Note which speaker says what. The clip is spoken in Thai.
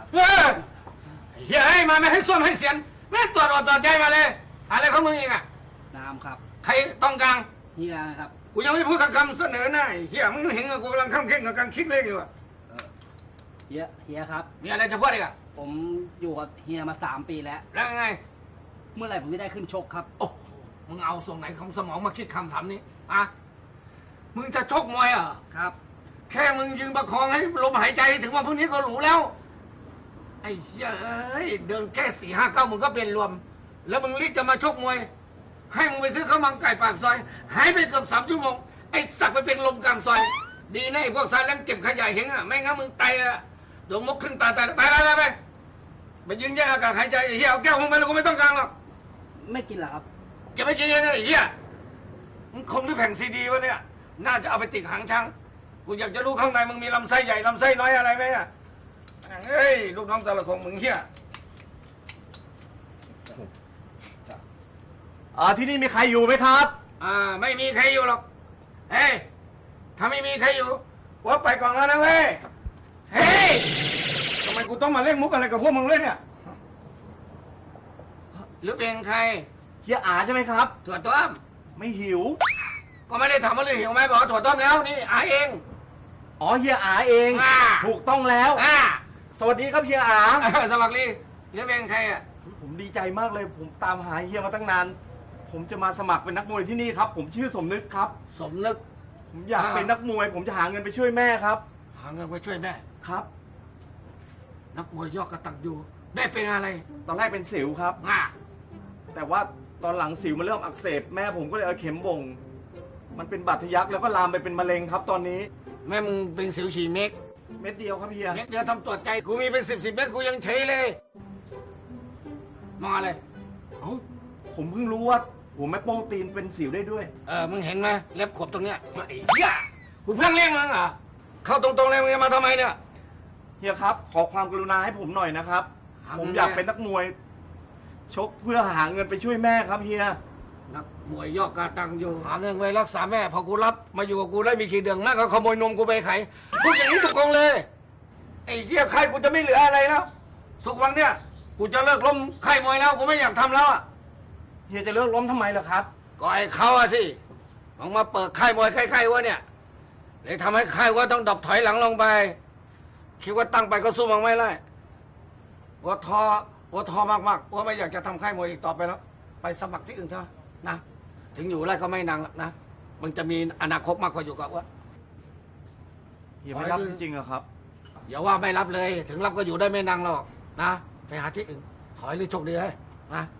Speaker 1: เฮียให้มาไม่ให้ส้วมให้เสียนแม่ตรวจอดตรวจใจมาเลยอะไรของมึงเองอ่ะ
Speaker 2: น้ำครับ
Speaker 1: ใครต้องกลาง
Speaker 2: เฮียครับ
Speaker 1: กูยังไม่พูดคำเสนอหน้าเฮียมึงเห็นกูกำลังข้ามเข่งกับกำลังคิดเลขอยู่อ่ะ
Speaker 2: เฮียครับ
Speaker 1: มีอะไรจะพูดอีกอ่ะ
Speaker 2: ผมอยู่กับเฮียมา3 ปีแล้ว
Speaker 1: แล้วไง
Speaker 2: เมื่อไหร่ผมจะได้ขึ้นชกครับ
Speaker 1: โอ้มึงเอาส่วนไหนของสมองมาคิดคำถามนี้อะมึงจะชกมวยเหรอ
Speaker 2: ครับ
Speaker 1: แค่มึงยืนประคองให้ลมหายใจถึงว่าพวกนี้ก็หรูแล้ว ไอ้เหี้ยเอ้ยเดินแค่4-5 9มึงก็เป็นรวม แล้วมึงรีบจะมาชกมวย ให้มึงไปซื้อข้าวมันไก่ปากซอยหายไปเกือบ3 ชั่วโมงไอ้สักไปเป็นลมกลางซอย ดีนะไอ้พวกสายแรงเก็บขยะเห็นอ่ะไม่งั้นมึงตายละเดี๋ยวมกครึ่งตาตายไปไปยืนแย่งอากาศหายใจไอ้เหี้ยเอาแก้วมึงไปแล้วกูไม่ต้องการหรอก
Speaker 2: ไม่กินเหรอครับ
Speaker 1: เก็บไปกินยังไงไอ้เหี้ยมึงคงด้วยแผ่นซีดีวะเนี่ยน่าจะเอาไปติดหางช้างกูอยากจะรู้ข้างในมึงมีลำไส้ใหญ่ลำไส้น้อยอะไรไหมอ่ะเฮ้ยลูกน้องแต่ละคนมึงเหี้ย
Speaker 3: ที่นี่มีใครอยู่ไหมครับ
Speaker 1: ไม่มีใครอยู่หรอกเฮ้ยถ้าไม่มีใครอยู่กูไปก่อนแล้วนะเว้ยเฮ้ยทำไมกูต้องมาเล่นมุกอะไรกับพวกมึงเลยเนี่ยหรือเป็นใคร
Speaker 3: เฮียอาใช่ไหมครับ
Speaker 1: ถั่วต้ม
Speaker 3: ไม่หิว
Speaker 1: ก็ไม่ได้ถามว่าเรื่องหิวไหมบอกว่าถั่วต้มแล้วนี่อาเอง
Speaker 3: อ๋อเฮียอาเอง ถูกต้องแล้ว สวัสดีครับเฮียอา
Speaker 1: สวัสดีหรือเป็นใครอ่ะ
Speaker 3: ผมดีใจมากเลย ผมตามหาเฮียมาตั้งนาน ผมจะมาสมัครเป็นนักมวยที่นี่ครับ ผมชื่อสมนึกครับ
Speaker 1: สมนึก
Speaker 3: ผมอยากเป็นนักมวย ผมจะหาเงินไปช่วยแม่ครับ
Speaker 1: หาเงินไปช่วยแม่
Speaker 3: ครับ
Speaker 1: นักมวยยอดกระตักอยู่แม่เป็นอะไร
Speaker 3: ตอนแรกเป็นสิวครับ แต่ว่าตอนหลังสิวมันเริ่มอักเสบแม่ผมก็เลยเอาเข็มบ่ง มันเป็นบาดทะยักแล้วก็ลามไปเป็นมะเร็งครับ ตอนนี้
Speaker 1: แม่มึงเป็นสิวฉี่เม็ก
Speaker 3: เม็ดเดียวครับเฮีย
Speaker 1: เม็ดเดียวทำตรวจใจกูมีเป็น10 เม็ดกูยังเฉยเลยมองอะไรเอ้า
Speaker 3: ผมเพิ่งรู้ว่าหัวแม่โป้งตีนเป็นสิวได้ด้วย
Speaker 1: มึงเห็นไหมเล็บขบตรงเนี้ยไอ้เหี้ยกูเพิ่งเลี้ยงมึงเหรอเข้าตรงๆเลยมึงจะมาทำไมเนี่ย
Speaker 3: เฮียครับ ขอความกรุณาให้ผมหน่อยนะครับ
Speaker 1: หาเงิน
Speaker 3: ผมอยากเป็นนักมวย ชกเพื่อหาเงินไปช่วยแม่ครับเฮีย
Speaker 1: นักมวยยอดกระตังอยู่หาเงินไว้รักษาแม่พอกูรับมาอยู่กับกูได้มีขีดเดืองมากก็ขโมยนมกูไปขายพูดอย่างนี้ถูกกองเลยไอ้เหี้ยใครกูจะไม่เหลืออะไรแล้วทุกวันเนี่ยกูจะเลิกล้มค่ายมวยแล้วกูไม่อยากทำแล้วอ่ะ
Speaker 3: เฮียจะเลิกล้มทำไมล่ะครับ
Speaker 1: ก็ไอ้เขาอะสิมึงมาเปิดค่ายมวยค่ายๆวะเนี่ยเลยทำให้ค่ายว่าต้องดรอปถอยหลังลงไปคิดว่าตั้งไปก็สู้มันไม่ได้ว่าท้อมากๆว่าไม่อยากจะทำค่ายมวยอีกต่อไปแล้ว ไปสมัครที่อื่นเถอะนะถึงอยู่ไรก็ไม่นางหรอกนะมึงจะมีอนาคตมากกว่าอยู่กับว่า
Speaker 3: เฮียไม่รับจริงๆเหรอครับ
Speaker 1: อย่าว่าไม่รับเลย ถึงรับก็อยู่ได้ไม่นางหรอกนะไปหาที่อื่นขอให้ลือโชคดีเลยนะ